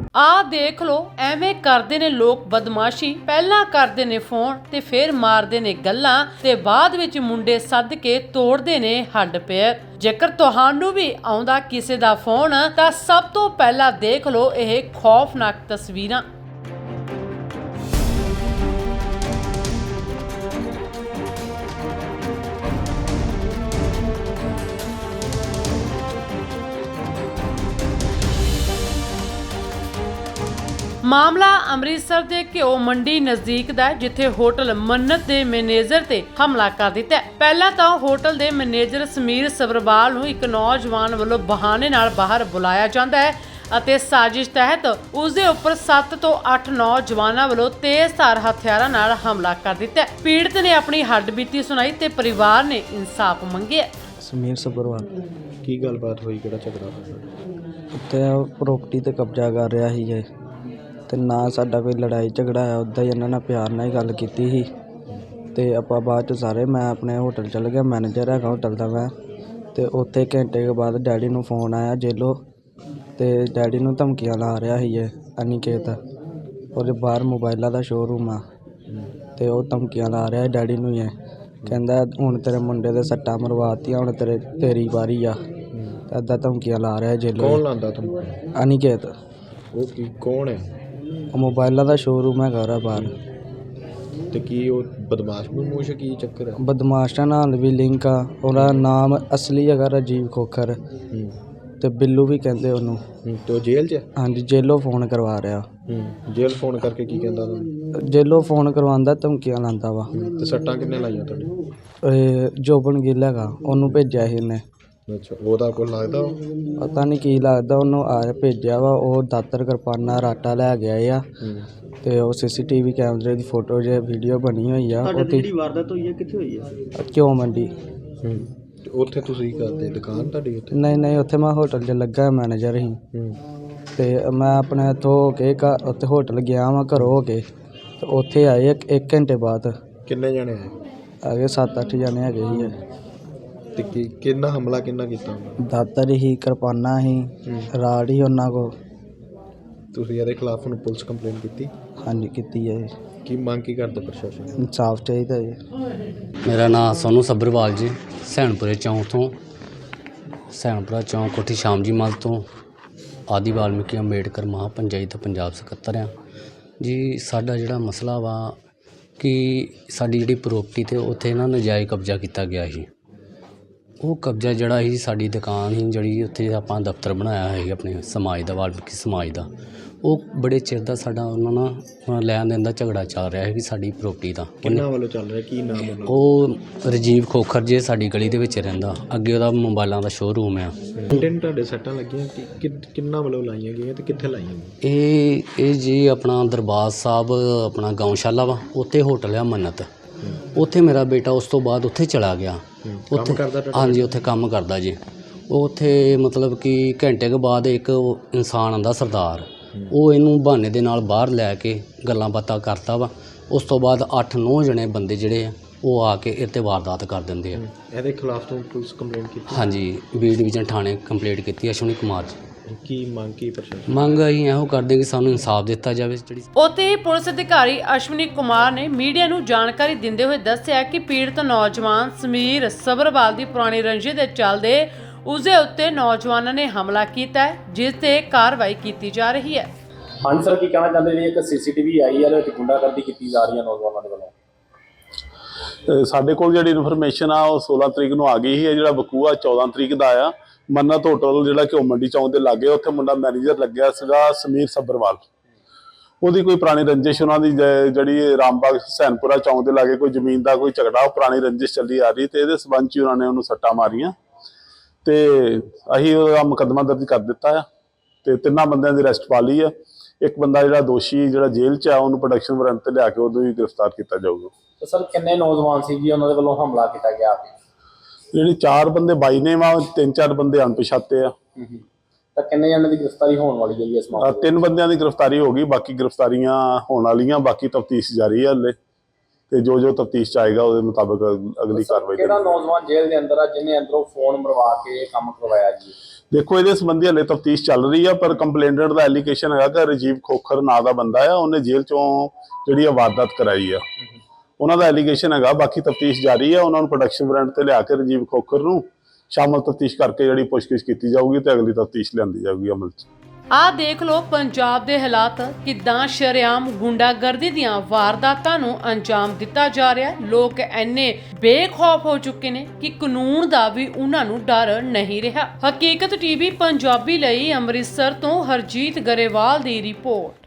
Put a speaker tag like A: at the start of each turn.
A: ਆ ਦੇਖ ਲੋ ਐਵੇਂ ਕਰਦੇ ਨੇ ਲੋਕ ਬਦਮਾਸ਼ੀ। ਪਹਿਲਾਂ ਕਰਦੇ ਨੇ ਫੋਨ ਤੇ ਫਿਰ ਮਾਰਦੇ ਨੇ ਗੱਲਾਂ ਤੇ ਬਾਅਦ ਵਿੱਚ ਮੁੰਡੇ ਸੱਦ ਕੇ ਤੋੜਦੇ ਨੇ ਹੱਡ ਪੈਰ। ਜੇਕਰ ਤੁਹਾਨੂੰ ਵੀ ਆਉਂਦਾ ਕਿਸੇ ਦਾ ਫੋਨ ਤਾਂ ਸਭ ਤੋਂ ਪਹਿਲਾਂ ਦੇਖ ਲੋ ਇਹ ਖੌਫਨਾਕ ਤਸਵੀਰਾਂ। ਮਾਮਲਾ ਅੰਮ੍ਰਿਤਸਰ ਦੇ ਘਿਓ ਮੰਡੀ ਨਜ਼ਦੀਕ ਦਾ, ਜਿੱਥੇ ਹੋਟਲ ਮੰਨਤ ਦੇ ਮੈਨੇਜਰ ਤੇ ਹਮਲਾ ਕਰ ਦਿੱਤਾ। ਪਹਿਲਾਂ ਤਾਂ ਹੋਟਲ ਦੇ ਮੈਨੇਜਰ ਸਮੀਰ ਸਬਰਵਾਲ ਨੂੰ ਇੱਕ ਨੌਜਵਾਨ ਵੱਲੋਂ ਬਹਾਨੇ ਨਾਲ ਬਾਹਰ ਬੁਲਾਇਆ ਜਾਂਦਾ ਹੈ ਅਤੇ ਸਾਜ਼ਿਸ਼ ਤਹਿਤ ਉਸ ਦੇ ਉੱਪਰ 7 ਤੋਂ 8 ਨੌਜਵਾਨਾਂ ਵੱਲੋਂ ਤੇਜ਼ਧਾਰ ਹਥਿਆਰਾਂ ਨਾਲ ਹਮਲਾ ਕਰ ਦਿੱਤਾ। ਪੀੜਤ ਨੇ ਆਪਣੀ ਹੱਡਬੀਤੀ ਸੁਣਾਈ ਤੇ ਪਰਿਵਾਰ ਨੇ ਇਨਸਾਫ ਮੰਗਿਆ।
B: ਸਮੀਰ ਸਬਰਵਾਲ
C: ਕੀ ਗੱਲਬਾਤ ਹੋਈ, ਕਿਹੜਾ ਝਗੜਾ ਹੋਇਆ?
B: ਉੱਤੇ ਪ੍ਰੋਪਰਟੀ ਤੇ ਕਬਜ਼ਾ ਕਰ ਰਿਹਾ ਸੀ ਜੇ, ਤੇ ਨਾ ਸਾਡਾ ਕੋਈ ਲੜਾਈ ਝਗੜਾ ਆ। ਉੱਦਾਂ ਹੀ ਇਹਨਾਂ ਨਾਲ ਪਿਆਰ ਨਾਲ ਹੀ ਗੱਲ ਕੀਤੀ ਸੀ ਤੇ ਆਪਾਂ ਬਾਅਦ 'ਚ ਸਾਰੇ ਮੈਂ ਆਪਣੇ ਹੋਟਲ ਚਲ ਗਿਆ। ਮੈਨੇਜਰ ਹੈਗਾ ਹੋਟਲ ਦਾ ਮੈਂ। ਤੇ ਉੱਥੇ ਘੰਟੇ ਕੇ ਬਾਅਦ ਡੈਡੀ ਨੂੰ ਫੋਨ ਆਇਆ ਜੇਲੋ, ਤੇ ਡੈਡੀ ਨੂੰ ਧਮਕੀਆਂ ਲਾ ਰਿਹਾ ਸੀ ਇਹ ਅਨਿਕੇਤ। ਉਹਦੇ ਬਾਹਰ ਮੋਬਾਈਲਾਂ ਦਾ ਸ਼ੋਅਰੂਮ ਆ ਤੇ ਉਹ ਧਮਕੀਆਂ ਲਾ ਰਿਹਾ ਡੈਡੀ ਨੂੰ। ਇਹ ਕਹਿੰਦਾ ਹੁਣ ਤੇਰੇ ਮੁੰਡੇ ਦੇ ਸੱਟਾਂ ਮਰਵਾਤੀਆਂ, ਹੁਣ ਤੇਰੀ ਵਾਰੀ ਆ। ਇੱਦਾਂ ਧਮਕੀਆਂ ਲਾ ਰਿਹਾ ਜੇਲੋ।
C: ਕੌਣ ਲਾਂਦਾ ਤੁਹਾਨੂੰ?
B: ਅਨਿਕੇਤ।
C: ਉਹ ਕੀ ਕੌਣ ਹੈ?
B: ਉਹ ਮੋਬਾਈਲਾਂ ਦਾ ਸ਼ੋਅਰੂਮ ਹੈਗਾ ਉਹਦਾ ਬਾਹਰ।
C: ਤੇ ਕੀ ਉਹ ਬਦਮਾਸ਼ ਬਦਮੂਸ਼ ਕੀ ਚੱਕਰ ਹੈ?
B: ਬਦਮਾਸ਼ਾਂ ਨਾਲ ਵੀ ਲਿੰਕ ਆ। ਉਹਦਾ ਨਾਮ ਅਸਲੀ ਹੈਗਾ ਰਾਜੀਵ ਖੋਖਰ ਤੇ ਬਿੱਲੂ ਵੀ ਕਹਿੰਦੇ ਉਹਨੂੰ।
C: ਤੇ ਉਹ ਜੇਲ੍ਹ 'ਚ?
B: ਹਾਂਜੀ, ਜੇਲੋਂ ਫੋਨ ਕਰਵਾ ਰਿਹਾ।
C: ਜੇਲ੍ਹ ਫੋਨ ਕਰਕੇ ਕੀ ਕਹਿੰਦਾ ਤੁਹਾਨੂੰ?
B: ਜੇਲੋਂ ਫੋਨ ਕਰਵਾਉਂਦਾ, ਧਮਕੀਆਂ ਲਾਉਂਦਾ ਵਾ।
C: ਤੇ ਸੱਟਾਂ ਕਿੰਨੇ ਲਾਈਆਂ ਤੁਹਾਡੇ?
B: ਇਹ ਜੋਬਨ ਗਿੱਲ ਹੈਗਾ, ਉਹਨੂੰ ਭੇਜਿਆ ਸੀ ਇਹਨੇ।
C: ਅੱਛਾ, ਉਹਦਾ ਕੋਈ ਲੱਗਦਾ?
B: ਪਤਾ ਨਹੀਂ ਕੀ ਲੱਗਦਾ ਉਹਨੂੰ। ਆ ਭੇਜਿਆ ਵਾ ਉਹ। ਦਾਤਰ ਕਿਰਪਾਨਾਂ ਰਾਟਾ ਲੈ ਗਿਆ ਆ। ਤੇ ਉਹ CCTV ਕੈਮਰੇ ਦੀ ਫੋਟੋ ਜੇ ਵੀਡੀਓ ਬਣੀ ਹੋਈ ਆ। ਉਹ ਜਿਹੜੀ ਵਾਰਦਾਤ ਹੋਈ ਹੈ ਕਿੱਥੇ ਹੋਈ ਹੈ? ਘਿਓ ਮੰਡੀ।
C: ਤੇ ਉੱਥੇ ਤੁਸੀਂ ਕਰਦੇ ਦੁਕਾਨ ਤੁਹਾਡੀ ਉੱਥੇ?
B: ਨਹੀਂ, ਉੱਥੇ ਮੈਂ ਹੋਟਲ 'ਚ ਲੱਗਾ ਮੈਨੇਜਰ ਸੀ। ਤੇ ਮੈਂ ਆਪਣੇ ਇੱਥੋਂ ਹੋ ਕੇ ਉੱਥੇ ਹੋਟਲ ਗਿਆ ਵਾਂ ਘਰੋਂ ਹੋ ਕੇ। ਤੇ ਉੱਥੇ ਆਏ ਇੱਕ ਘੰਟੇ ਬਾਅਦ।
C: ਕਿੰਨੇ ਜਣੇ ਆਏ?
B: ਹੈਗੇ 7-8 ਜਣੇ ਹੈਗੇ ਸੀ।
C: ਤੇ ਕਿੰਨਾ ਹਮਲਾ ਕਿੰਨਾ ਕੀਤਾ?
B: ਦਾਤਰ ਹੀ, ਕਿਰਪਾਨਾਂ ਹੀ, ਰਾੜ ਹੀ ਉਹਨਾਂ ਕੋਲ।
C: ਤੁਸੀਂ ਇਹਦੇ ਖਿਲਾਫ ਹੁਣ ਪੁਲਿਸ ਕੰਪਲੇਂਟ ਕੀਤੀ?
B: ਹਾਂਜੀ, ਕੀਤੀ ਹੈ।
C: ਕੀ ਮੰਗ ਕੀ ਕਰਦਾ ਪ੍ਰਸ਼ਾਸਨ?
B: ਇਨਸਾਫ ਚਾਹੀਦਾ ਜੀ।
D: ਮੇਰਾ ਨਾਮ ਸੋਨੂੰ ਸਬਰਵਾਲ ਜੀ, ਸੈਣਪੁਰੇ ਚੌਂਕ ਤੋਂ। ਸੈਣਪੁਰਾ ਚੌਂਕ ਕੋਠੀ ਸ਼ਾਮ ਜੀ ਮੱਲ ਤੋਂ ਆਦਿ ਵਾਲਮੀਕੀ ਅੰਬੇਡਕਰ ਮਹਾਪੰਚਾਇਤ ਪੰਜਾਬ ਸਕੱਤਰ ਆ ਜੀ। ਸਾਡਾ ਜਿਹੜਾ ਮਸਲਾ ਵਾ ਕਿ ਸਾਡੀ ਜਿਹੜੀ ਪ੍ਰੋਪਰਟੀ 'ਤੇ ਉੱਥੇ ਨਾ ਨਜਾਇਜ਼ ਕਬਜ਼ਾ ਕੀਤਾ ਗਿਆ ਸੀ। ਉਹ ਕਬਜ਼ਾ ਜਿਹੜਾ ਸੀ, ਸਾਡੀ ਦੁਕਾਨ ਸੀ ਜਿਹੜੀ ਉੱਥੇ ਆਪਾਂ ਦਫ਼ਤਰ ਬਣਾਇਆ ਸੀ ਆਪਣੇ ਸਮਾਜ ਦਾ, ਵਾਲਮੀਕੀ ਸਮਾਜ ਦਾ। ਉਹ ਬੜੇ ਚਿਰ ਦਾ ਸਾਡਾ ਉਹਨਾਂ ਨਾਲ ਲੈਣ ਦੇਣ ਦਾ ਝਗੜਾ ਚੱਲ ਰਿਹਾ ਹੈ ਕਿ ਸਾਡੀ ਪ੍ਰੋਪਰਟੀ ਦਾ।
C: ਕਿੰਨਾ ਵੱਲੋਂ ਚੱਲ ਰਿਹਾ? ਕੀ ਨਾਮ ਉਹਨਾਂ ਦਾ?
D: ਉਹ ਰਾਜੀਵ ਖੋਖਰ ਜੇ ਸਾਡੀ ਗਲੀ ਦੇ ਵਿੱਚ ਰਹਿੰਦਾ। ਅੱਗੇ ਉਹਦਾ ਮੋਬਾਈਲਾਂ ਦਾ ਸ਼ੋਅਰੂਮ ਆ।
C: ਮੁੰਡੇ ਤੁਹਾਡੇ ਸੱਟਾਂ ਲੱਗੀਆਂ ਕਿੰਨਾ ਵੱਲੋਂ ਲਾਈਆਂ ਗਈਆਂ ਤੇ ਕਿੱਥੇ ਲਾਈਆਂ ਗਈਆਂ?
D: ਇਹ ਜੀ ਆਪਣਾ ਦਰਬਾਰ ਸਾਹਿਬ ਆਪਣਾ ਗਊਸ਼ਾਲਾ ਵਾ, ਉੱਥੇ ਹੋਟਲ ਆ ਮੰਨਤ। ਉੱਥੇ ਮੇਰਾ ਬੇਟਾ ਉਸ ਤੋਂ ਬਾਅਦ ਉੱਥੇ ਚਲਾ ਗਿਆ। ਉੱਥੇ ਹਾਂਜੀ, ਉੱਥੇ ਕੰਮ ਕਰਦਾ ਜੀ। ਉਹ ਉੱਥੇ ਮਤਲਬ ਕਿ ਘੰਟੇ ਕੁ ਬਾਅਦ ਇੱਕ ਇਨਸਾਨ ਆਉਂਦਾ ਸਰਦਾਰ, ਉਹ ਇਹਨੂੰ ਬਹਾਨੇ ਦੇ ਨਾਲ ਬਾਹਰ ਲੈ ਕੇ ਗੱਲਾਂ ਬਾਤਾਂ ਕਰਦਾ ਵਾ। ਉਸ ਤੋਂ ਬਾਅਦ 8-9 ਜਣੇ ਬੰਦੇ ਜਿਹੜੇ ਆ ਉਹ ਆ ਕੇ ਇਹ 'ਤੇ ਵਾਰਦਾਤ ਕਰ ਦਿੰਦੇ ਆ।
C: ਇਹਦੇ ਖਿਲਾਫ ਤੋਂ ਪੁਲਿਸ ਕੰਪਲੇਂਟ ਕੀਤੀ?
D: ਹਾਂਜੀ, ਬੀ ਡਿਵੀਜ਼ਨ ਥਾਣੇ ਕੰਪਲੇਂਟ ਕੀਤੀ ਅਸ਼ਵਨੀ ਕੁਮਾਰ ਜੀ।
C: ਕੀ ਮੰਗ ਕੀ ਪ੍ਰਸ਼ਾਸਨ?
D: ਮੰਗ ਅਸੀਂ ਇਹੋ ਕਰਦੇ ਕਿ ਸਾਨੂੰ ਇਨਸਾਫ ਦਿੱਤਾ ਜਾਵੇ। ਜਿਹੜੀ
A: ਉੱਥੇ ਹੀ ਪੁਲਿਸ ਅਧਿਕਾਰੀ ਅਸ਼ਵਨੀ ਕੁਮਾਰ ਨੇ ਮੀਡੀਆ ਨੂੰ ਜਾਣਕਾਰੀ ਦਿੰਦੇ ਹੋਏ ਦੱਸਿਆ ਕਿ ਪੀੜਤ ਨੌਜਵਾਨ ਸਮੀਰ ਸਬਰਵਾਲ ਦੀ ਪੁਰਾਣੀ ਰੰਜਿਸ਼ ਦੇ ਚੱਲਦੇ ਉਸਦੇ ਉੱਤੇ ਨੌਜਵਾਨਾਂ ਨੇ ਹਮਲਾ ਕੀਤਾ ਹੈ, ਜਿਸ ਤੇ ਕਾਰਵਾਈ ਕੀਤੀ ਜਾ ਰਹੀ ਹੈ।
E: ਹਾਂਜੀ ਸਰ, ਕੀ ਕਹਿਣਾ ਚਾਹੁੰਦੇ ਜੀ? ਇੱਕ CCTV ਆਈ ਹੈ ਤੇ ਗੁੰਡਾਗਰਦੀ ਕੀਤੀ ਜਾ ਰਹੀ ਹੈ ਨੌਜਵਾਨਾਂ ਦੇ ਵੱਲੋਂ।
F: ਸਾਡੇ ਕੋਲ ਜਿਹੜੀ ਇਨਫੋਰਮੇਸ਼ਨ ਆ ਉਹ 16 ਤਰੀਕ ਨੂੰ ਆ ਗਈ ਸੀ। ਜਿਹੜਾ ਵਕੂਆ 14 ਤਰੀਕ ਦਾ ਆ। ਮੰਨਤ ਹੋਟਲ ਜਿਹੜਾ ਘਿਓ ਮੰਡੀ ਚੌਂਕ ਦੇ ਲਾਗੇ, ਉੱਥੇ ਮੁੰਡਾ ਮੈਨੇਜਰ ਲੱਗਿਆ ਸੀਗਾ ਸਮੀਰ ਸਬਰਵਾਲ। ਉਹਦੀ ਕੋਈ ਪੁਰਾਣੀ ਰੰਜਿਸ਼, ਉਹਨਾਂ ਦੀ ਜਿਹੜੀ ਰਾਮਬਾਗ ਸੈਨਪੁਰਾ ਚੌਂਕ ਦੇ ਲਾਗੇ ਕੋਈ ਜ਼ਮੀਨ ਦਾ ਕੋਈ ਝਗੜਾ, ਉਹ ਪੁਰਾਣੀ ਰੰਜਿਸ਼ ਚੱਲੀ ਆ ਰਹੀ। ਤੇ ਇਹਦੇ ਸਬੰਧ 'ਚ ਉਹਨਾਂ ਨੇ ਉਹਨੂੰ ਸੱਟਾਂ ਮਾਰੀਆਂ ਤੇ ਅਸੀਂ ਉਹਦਾ ਮੁਕੱਦਮਾ ਦਰਜ ਕਰ ਦਿੱਤਾ ਆ ਤੇ 3 ਬੰਦਿਆਂ ਦੀ ਅਰੈਸਟ ਪਾ ਲਈ ਆ। ਇੱਕ ਬੰਦਾ ਜਿਹੜਾ ਦੋਸ਼ੀ ਜਿਹੜਾ ਜੇਲ੍ਹ 'ਚ ਆ, ਉਹਨੂੰ ਪ੍ਰੋਡਕਸ਼ਨ ਵਾਰੰਟ ਤੇ ਲਿਆ ਕੇ ਉਹਨੂੰ ਵੀ ਗ੍ਰਿਫਤਾਰ ਕੀਤਾ ਜਾਊਗਾ।
E: ਤੇ ਸਰ, ਕਿੰਨੇ ਨੌਜਵਾਨ ਸੀ ਜੀ ਉਹਨਾਂ ਦੇ ਵੱਲੋਂ ਹਮਲਾ ਕੀਤਾ ਗਿਆ?
F: ਜਿਹੜੀ 4 ਬੰਦੇ ਬਾਈ ਨੇ ਵਾ, 3-4 ਬੰਦੇ ਅਣਪਛਾਤੇ ਆ।
E: ਤਾਂ ਕਿੰਨੇ ਜਣਾਂ ਦੀ ਗ੍ਰਿਫਤਾਰੀ ਹੋਣ ਵਾਲੀ ਹੈ ਜੀ ਇਸ ਮਾਮਲੇ 'ਚ?
F: 3 ਬੰਦਿਆਂ ਦੀ ਗ੍ਰਿਫਤਾਰੀ ਹੋ ਗਈ, ਬਾਕੀ ਗ੍ਰਿਫਤਾਰੀਆਂ ਹੋਣ ਵਾਲੀਆਂ। ਬਾਕੀ ਤਫਤੀਸ਼ ਜਾਰੀ ਹੈ ਹਲੇ, ਤੇ ਜੋ ਤਫਤੀਸ਼ 'ਚ ਆਏਗਾ ਉਹਦੇ ਮੁਤਾਬਕ ਅਗਲੀ ਕਾਰਵਾਈ।
E: ਕਿਹੜਾ ਨੌਜਵਾਨ ਜੇਲ੍ਹ ਦੇ ਅੰਦਰ ਆ ਜਿਹਨੇ ਅੰਦਰੋਂ ਫੋਨ ਮਰਵਾ ਕੇ ਇਹ ਕੰਮ ਕਰਵਾਇਆ ਜੀ?
F: ਦੇਖੋ ਇਹਦੇ ਸੰਬੰਧੀ ਹਲੇ ਤਫਤੀਸ਼ ਚੱਲ ਰਹੀ ਆ, ਪਰ ਕੰਪਲੇਂਟਡ ਦਾ ਐਲੀਗੇਸ਼ਨ ਹੈਗਾ ਕਿ ਰਾਜੀਵ ਖੋਖਰ ਨਾਂ ਦਾ ਬੰਦਾ ਆ, ਉਹਨੇ ਜੇਲ੍ਹ ਚੋਂ ਜਿਹੜੀ ਆ ਵਾਰਦਾਤ ਕਰਾਈ ਆ। ਉਹਨਾਂ ਦਾ ਐਲੀਗੇਸ਼ਨ ਹੈਗਾ, ਬਾਕੀ ਤਫਤੀਸ਼ ਜਾਰੀ ਆ। ਉਹਨਾਂ ਨੂੰ ਪ੍ਰੋਡਕਸ਼ਨ ਵਾਰੰਟ ਤੇ ਲਿਆ ਕੇ ਰਾਜੀਵ ਖੋਖਰ ਨੂੰ ਸ਼ਾਮਲ ਤਫਤੀਸ਼ ਕਰਕੇ ਜਿਹੜੀ ਪੁੱਛਗਿੱਛ ਕੀਤੀ ਜਾਊਗੀ ਤੇ ਅਗਲੀ ਤਫਤੀਸ਼ ਲਿਆਂਦੀ ਜਾਊਗੀ ਅਮਲ 'ਚ।
A: ਆਹ ਦੇਖ ਲਓ ਪੰਜਾਬ ਦੇ ਹਾਲਾਤ, ਕਿੱਦਾਂ ਸ਼ਰੇਆਮ ਗੁੰਡਾਗਰਦੀ ਦੀਆਂ ਵਾਰਦਾਤਾਂ ਨੂੰ ਅੰਜਾਮ ਦਿੱਤਾ ਜਾ ਰਿਹਾ। ਲੋਕ ਇੰਨੇ ਬੇਖੌਫ ਹੋ ਚੁੱਕੇ ਨੇ ਕਿ ਕਾਨੂੰਨ ਦਾ ਵੀ ਉਹਨਾਂ ਨੂੰ ਡਰ ਨਹੀਂ ਰਿਹਾ। ਹਕੀਕਤ ਟੀਵੀ ਪੰਜਾਬੀ ਲਈ ਅੰਮ੍ਰਿਤਸਰ ਤੋਂ ਹਰਜੀਤ ਗਰੇਵਾਲ ਦੀ ਰਿਪੋਰਟ।